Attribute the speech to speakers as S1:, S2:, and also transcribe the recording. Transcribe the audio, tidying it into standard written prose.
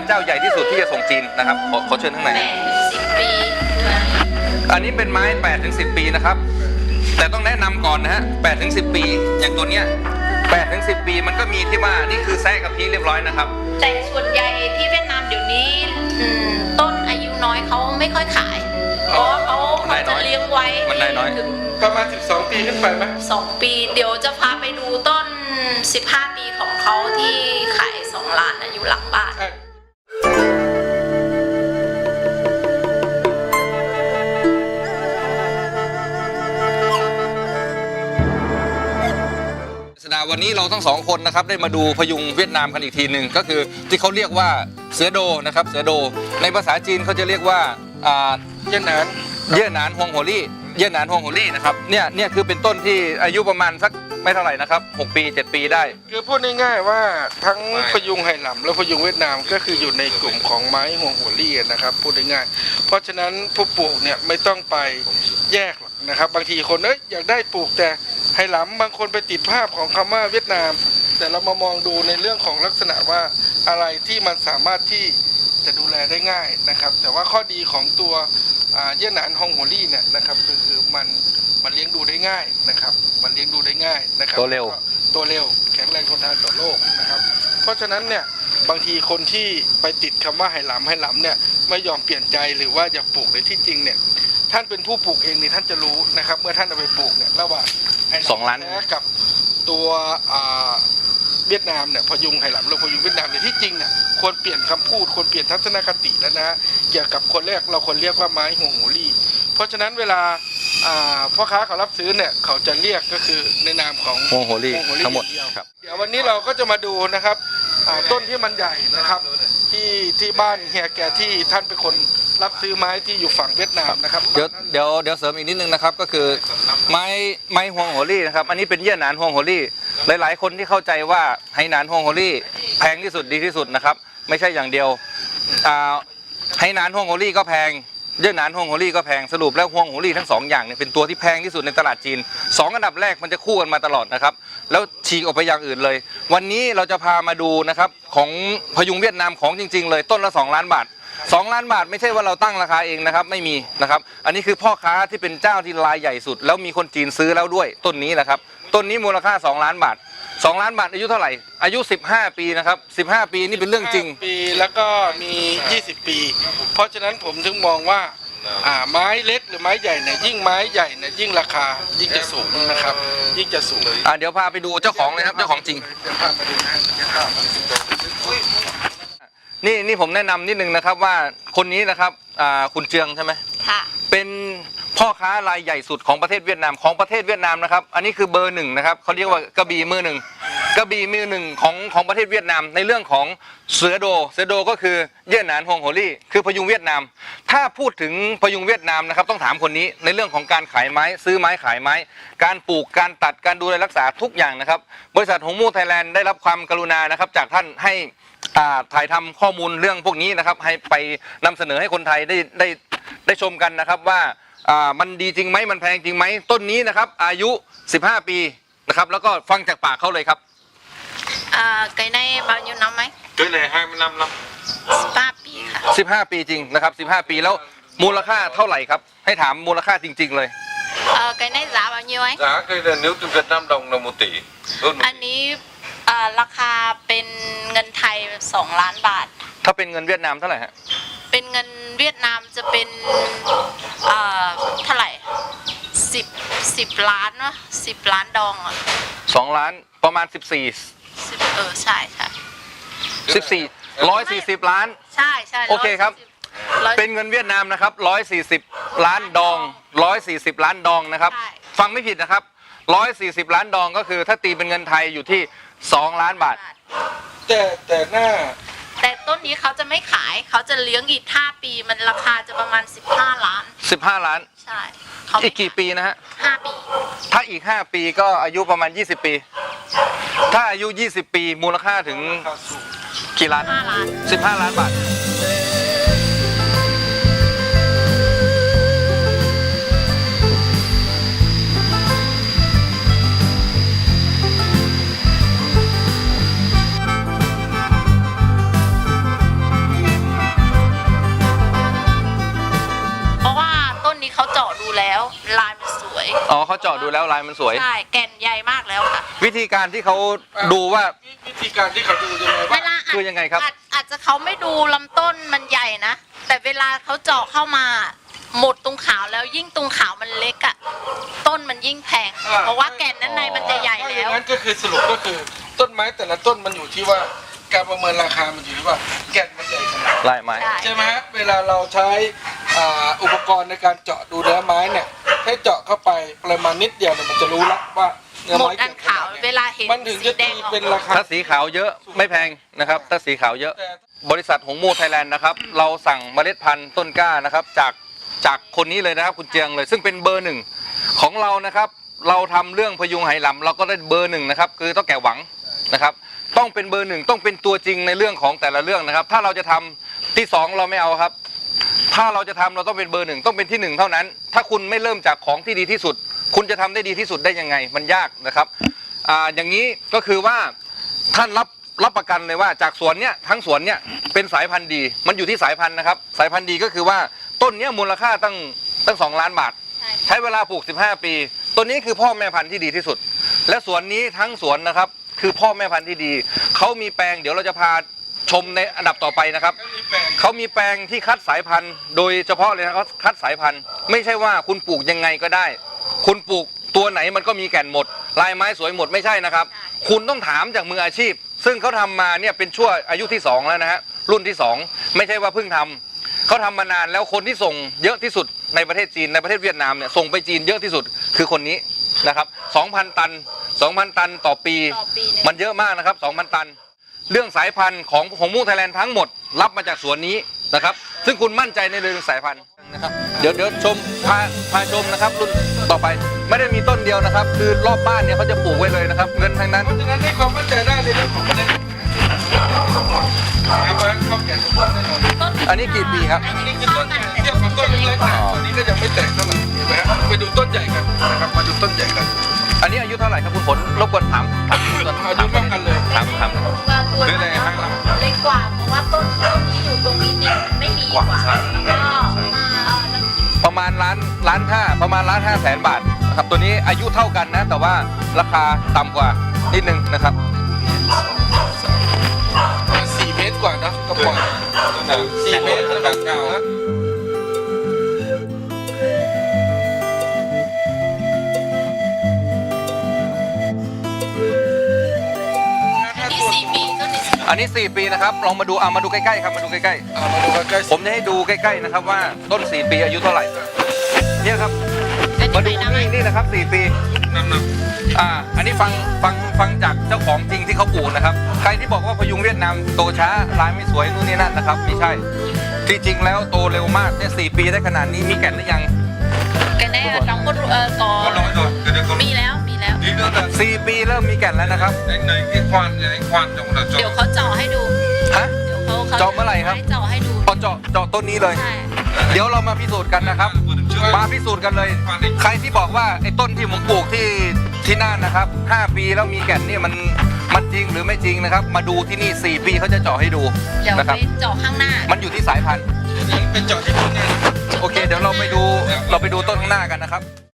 S1: เจ้าใหญ่ที่สุดที่จะส่งจีนนะครับขอเชิญข้างใน
S2: 10 ปี
S1: อันนี้เป็นไม้8 ถึง 10 ปีนะครับแต่ต้องแนะนำก่อนนะฮะ8 ถึง 10 ปีอย่างตัวเนี้ย8 ถึง 10 ปีมันก็มีที่ว่านี่คือแซะกับพีเรียบร้อยนะครับ
S2: แต่ส่วนใหญ่ที่เวียดนามเดี๋ยวนี้ต้นอายุน้อยเขาไม่ค่อยขายเพราะเขาจะเลี้ยงไว้
S1: ถึง
S3: ประมาณ12 ปีขึ้นไปไหม
S2: 2 ปีเดี๋ยวจะพาไปดูต้น15 ปีของเขาที่ขาย2 ล้านอยู่หลังบ้าน
S1: วันนี้เราทั้ง2 คนนะครับได้มาดูพยุงเวียดนามกันอีกทีหนึ่งก็คือที่เขาเรียกว่าเสือโดนะครับเสือโดในภาษาจีนเขาจะเรียกว่า
S3: เย่หน
S1: านฮวงโฮลี่เย่หนานฮวงโฮลี่นะครับเนี่ยคือเป็นต้นที่อายุประมาณสักไม่เท่าไหร่นะครับ6 ปี 7 ปีได้
S3: คือพูดง่ายๆว่าทั้งพยุงไหหลำและพยุงเวียดนามก็คืออยู่ในกลุ่มของไม้ฮวงโฮลี่นะครับพูดง่ายๆเพราะฉะนั้นผู้ปลูกเนี่ยไม่ต้องไปแยกหรอกนะครับบางทีคนอยากได้ปลูกแต่ไหหลำบางคนไปติดภาพของคำว่าเวียดนามแต่เรามามองดูในเรื่องของลักษณะว่าอะไรที่มันสามารถที่จะดูแลได้ง่ายนะครับแต่ว่าข้อดีของตัวเย่หนานฮวงโฮลี่เนี่ยนะครับคือมันเลี้ยงดูได้ง่ายนะครับมันเลี้ยงดูได้ง่ายนะครับ
S1: ตัวเร็ว
S3: แข็งแรงทนทานต่อโรคนะครับเพราะฉะนั้นเนี่ยบางทีคนที่ไปติดคำว่าไหหลำเนี่ยไม่ยอมเปลี่ยนใจหรือว่าอยากปลูกในที่จริงเนี่ยท่านเป็นผู้ปลูกเองนี่ท่านจะรู้นะครับเมื่อท่านเอาไปปลูกเนี่ยระหว่าง
S1: 2 ล้าน
S3: กับตัวเวียดนามเนี่ยพยุงไหหลำหรือพยุงเวียดนามเนี่ยที่จริงเนี่ยควรเปลี่ยนคำพูดควรเปลี่ยนทัศนคติแล้วนะเกี่ยวกับคนแรกเราควรเรียกว่าไม้ฮวงโฮลี่เพราะฉะนั้นเวลาพ่อค้าเขารับซื้อเนี่ยเขาจะเรียกก็คือในนามของ
S1: ฮวงโฮลี่ทั้งหมด
S3: ครับเดี๋ยววันนี้เราก็จะมาดูนะครับต้นที่มันใหญ่นะครับที่บ้านเฮียแกที่ท่านเป็นคนรับซื้อไม้ที่อยู่ฝั่งเวียดนามนะครับ
S1: เดี๋ยวเสริมอีกนิดนึงนะครับก็คือไม้ฮวงโฮลี่นะครับอันนี้เป็นเย่หนานฮวงโฮลี่หลายๆคนที่เข้าใจว่าไหหนานฮวงโฮลี่แพงที่สุดดีที่สุดนะครับไม่ใช่อย่างเดียวไหหนานฮวงโฮลี่ก็แพงเย่หนานฮวงโฮลี่ก็แพงสรุปแล้วฮวงโฮลี่ทั้ง2 อย่างเนี่ยเป็นตัวที่แพงที่สุดในตลาดจีน2 อันดับแรกมันจะคู่กันมาตลอดนะครับแล้วฉีกออกไปอย่างอื่นเลยวันนี้เราจะพามาดูนะครับของพยุงเวียดนามของจริงๆเลยต้นละ2 ล้านบาท2 ล้านบาทไม่ใช่ว่าเราตั้งราคาเองนะครับไม่มีนะครับอันนี้คือพ่อค้าที่เป็นเจ้าที่รายใหญ่สุดแล้วมีคนจีนซื้อแล้วด้วยต้นนี้นะครับต้นนี้มูลค่า2 ล้านบาท2 ล้านบาทอายุเท่าไหร่อายุ15 ปีนะครับ15 ปีนี่เป็นเรื่องจริง
S3: ปีแล้วก็มี20 ปีเพราะฉะนั้นผมถึงมองว่าไม้เล็กหรือไม้ใหญ่เนี่ยยิ่งไม้ใหญ่เนี่ยยิ่งราคายิ่งจะสูงนะครับยิ่งจะสูง
S1: เดี๋ยวพาไปดูเจ้าของเลยครับเจ้าของจริงนี่ผมแนะนำนิดนึงนะครับว่าคนนี้นะครับคุณเจืองใช่ไหม
S2: ค่ะ
S1: เป็นพ่อค้ารายใหญ่สุดของประเทศเวียดนามนะครับอันนี้คือเบอร์1นะครับเขาเรียกว่ากระบี่มือ 1กระบี่มือ 1ของประเทศเวียดนามในเรื่องของเสือโดก็คือเย่หนานฮวงโฮลี่คือพยุงเวียดนามถ้าพูดถึงพยุงเวียดนามนะครับต้องถามคนนี้ในเรื่องของการขายไม้ซื้อไม้ขายไม้การปลูกการตัดการดูแลรักษาทุกอย่างนะครับบริษัทหงมู่ไทยแลนด์ได้รับความกรุณานะครับจากท่านให้ถ่ายทำข้อมูลเรื่องพวกนี้นะครับให้ไปนำเสนอให้คนไทยได้ชมกันนะครับว่ามันดีจริงไหมมันแพงจริงไหมต้นนี้นะครับอายุ15 ปีนะครับแล้วก็ฟังจากปากเขาเลยครับ
S2: cái này bao nhiêu năm ấy
S3: cái này 25 năm
S2: 15 ปีค่ะ
S1: 15 ปีจริงนะครับ15 ปีแล้วมูลค่าเท่าไหร่ครับให้ถามมูลค่าจริงๆเลย
S2: cái này giá bao nhiêu ấy
S3: giá cái này nếu từ Việt Nam đồng là 1 tỷ
S2: อันนี้ราคาเป็นเงินไทย2 ล้านบาท
S1: ถ้าเป็นเงินเวียดนามเท่าไหร่ฮะ
S2: เป็นเงินเวียดนามจะเป็นเท่าไหร่10 ล้านวะ10 ล้านดองอ่ะ
S1: 2 ล้านประมาณ14
S2: ใช่ค่ะ
S1: 140 ล้าน
S2: ใช่
S1: โอเคครับเป็นเงินเวียดนามนะครับ140 ล้านดอง140 ล้านดองนะครับฟังไม่ผิดนะครับ140 ล้านดองก็คือถ้าตีเป็นเงินไทยอยู่ที่2 ล้านบาท
S3: แต่
S2: ต้นนี้เขาจะไม่ขายเขาจะเลี้ยงอีก5 ปีมันราคาจะประมาณ15 ล้านใช่
S1: อีกกี่ปีนะฮะ
S2: 5 ปี
S1: ถ้าอีก5 ปีก็อายุประมาณ20 ปีถ้าอายุ20 ปีมูลค่าถึงกี่ล้าน15 ล้านบาท
S2: ลายมันสวย
S1: อ๋อเขาเจาะดูแล้วลายมันสวย
S2: ใช่แก่นใหญ่มากแล้วค่ะ
S1: วิธีการที่เขาดูว่า
S3: วิธีการที่เขาดูยังไง
S2: เว
S3: ว่า
S2: ลา
S1: คือยังไงครับ
S2: อาจจะเขาไม่ดูลำต้นมันใหญ่นะแต่เวลาเขาเจาะเข้ามาหมดตรงขาวแล้วยิ่งตรงขาวมันเล็กอะต้นมันยิ่งแพงเพราะว่าแก่นด้านในมันจะใหญ่
S3: ถ้าอ
S2: แล้
S3: ย่าว งนั้นก็คือสรุปก็คือต้นไม้แต่ละต้นมันอยู่ที่ว่าการประเมินราคามันอยู่ที่ว่าแก่นมันใหญ่ขนาดไหน
S1: ลายไม้
S3: ใช่ไหมฮะเวลาเราใช้อุปกรณ์ในการเจาะดูเนื้อไม้เนี่ยให้เจาะเข้าไปปริมาณนิดเดียวเนี่ยมันจะรู้แล้วว่าเนื้อ
S2: หมด
S3: ไม้
S2: อันขาวเวลาเห็น
S3: มันถึงจะ
S2: สีแด
S3: ตี
S2: งออก
S3: เป็นราคา
S1: ถ้าสีขาวเยอะไม่แพงนะครับถ้าสีขาวเยอะ
S3: แต่
S1: บริษัทหงมูไทยแลนด์นะครับเราสั่งเมล็ดพันธุ์ต้นกล้านะครับจากคนนี้เลยนะครับคุณเจียงเลยซึ่งเป็นเบอร์หนึ่งของเรานะครับเราทำเรื่องพยุงไหหลำเราก็ได้เบอร์หนึ่งนะครับคือต้องแก่หวังนะครับต้องเป็นเบอร์หนึ่งต้องเป็นตัวจริงในเรื่องของแต่ละเรื่องนะครับถ้าเราจะทำที่สองเราไม่เอาครับถ้าเราจะทำเราต้องเป็นเบอร์หนึ่งต้องเป็นที่หนึ่งเท่านั้นถ้าคุณไม่เริ่มจากของที่ดีที่สุด คุณจะทำได้ดีที่สุดได้ยังไงมันยากนะครับอย่างนี้ก็คือว่าท่านรับประกันเลยว่าจากสวนเนี้ยทั้งสวนเนี้ยเป็นสายพันธุ์ดีมันอยู่ที่สายพันธุ์นะครับสายพันธุ์ดีก็คือว่าต้นเนี้ยมูลค่าตั้ง2 ล้านบาท ใช้เวลาปลูก15 ปีต้นนี้คือพ่อแม่พันธุ์ที่ดีที่สุด และสวนนี้ทั้งสวนนะครับคือพ่อแม่พันธุ์ที่ดีเขามีแปลงเดี๋ยวเราจะพาชมในอันดับต่อไปนะครับเขามีแปลงที่คัดสายพันธุ์โดยเฉพาะเลยนะเขาคัดสายพันธุ์ไม่ใช่ว่าคุณปลูกยังไงก็ได้ คุณปลูกตัวไหนมันก็มีแก่นหมดลายไม้สวยหมดไม่ใช่นะครับคุณต้องถามจากมืออาชีพ ซึ่งเขาทำมาเนี่ยเป็นชั่วอายุที่2แล้วนะฮะรุ่นที่2ไม่ใช่ว่าเพิ่งทำเขาทำมานานแล้วคนที่ส่งเยอะที่สุดในประเทศจีนในประเทศเวียดนามเนี่ยส่งไปจีนเยอะที่สุดคือคนนี้นะครับ 2,000 ตัน 2,000 ตันต่อปี
S2: เนี่ย
S1: มันเยอะมากนะครับ 2,000 ตัน เรื่องสายพันธุ์ของหงมูไทยแลนด์ทั้งหมดรับมาจากสวนนี้นะครับซึ่งคุณมั่นใจในเรื่องสายพันธุ์นะครับเดี๋ยวชมพาชมนะครับรุ่นต่อไปไม่ได้มีต้นเดียวนะครับ คือรอบบ้านเนี่ยเขาจะปลูกไว้เลยนะครับเงินทั้งนั้น
S3: เพราะฉะนั้นให้ความมั่นใจได้ในเรื่องของประเด็นทั้งหมดนะครับว่าเข้าแก่ทุกต้นแน่นอน
S2: ต้น
S1: อันนี้กี่ปีครับ
S3: อันนี้คือต้นใหญ่เทียบกับต้นเล็กๆนะตอนนี้ก็ยังไม่แตกเท่าไหร่เห็นไหมฮะไปดูต้นใหญ่กันนะครับมาดูต้นใหญ่กัน
S1: อันนี้อายุเท่าไหร่ครับคุณฝนรบกวนถามก่อน
S3: อายุเท่ากันเลย
S1: ถาม
S2: ตัว
S3: หรืออะไรฮะ
S2: เล็กกว่าเพราะว่าต้นที่อยู่ตรงนี้ดินไม่มีกว่าแล้วก็
S1: ประมาณล้านห้าประมาณ1,500,000 บาทนะครับตัวนี้อายุเท่ากันนะแต่ว่าราคาต่ำกว่านิดนึงนะครับ
S3: 4 เมตรกว่าเนอะก็ปล่อย4 เมตรแบบเก่าฮะ
S2: ที่4 ปีต้นนี้
S1: อันนี้4 ปีนะครับลองมาดูมาดูใกล้ๆครับมาดูใกล้
S3: มาดูใกล้
S1: ๆผมจะให้ดูใกล้ๆนะครับว่าต้น4 ปีอายุเท่าไหร่เนี่ยครับมาดูนี่นะครับ4 ปี
S3: ๆน้ำหนัก
S1: อันนี้ฟังจากเจ้าของจริงที่เขาปลูกนะครับใครที่บอกว่าพยุงเวียดนามโตช้าลายไม่สวยนู่นนี่นั่นนะครับไม่ใช่ที่จริงแล้วโตเร็วมากเนี่ย4 ปีได้ขนาดนี้มีแก่นหรือยัง
S2: cái này là trong có
S3: có lỗi rồi cái đấy có
S2: miแล้ว
S3: tí nữa là
S1: 4 ปีเริ่มมีแก่นแล้วนะครับ
S3: anh lấy cái khoan này anh khoan trong là
S2: เดี๋ยวเขาเจาะให้ดู
S1: ฮะ
S2: เดี๋ยวเขา
S1: เจาะเมื่อไหร่ครับ
S2: ให้เจาะให้ดู
S1: พอเจาะต้นนี้เลย
S2: ใช่
S1: เดี๋ยวเรามาพิสูจน์กันนะครับ มาพิสูจน์กันเลย ใครที่บอกว่าไอ้ต้นที่ผมปลูกที่น่านนะครับ5 ปีแล้วมีแก่นเนี่ยมันจริงหรือไม่จริงนะครับ มาดูที่นี่4 ปีเขาจะเจาะให้ดู
S2: เดี๋ยว
S1: นะครับ
S2: ไปเจาะข้างหน้า
S1: มันอยู่ที่สายพันธุ์
S3: เป็นเจาะที่ต้นเนี่ย
S1: โอเค เดี๋ยวเราไปดูต้นข้างหน้ากันนะครับ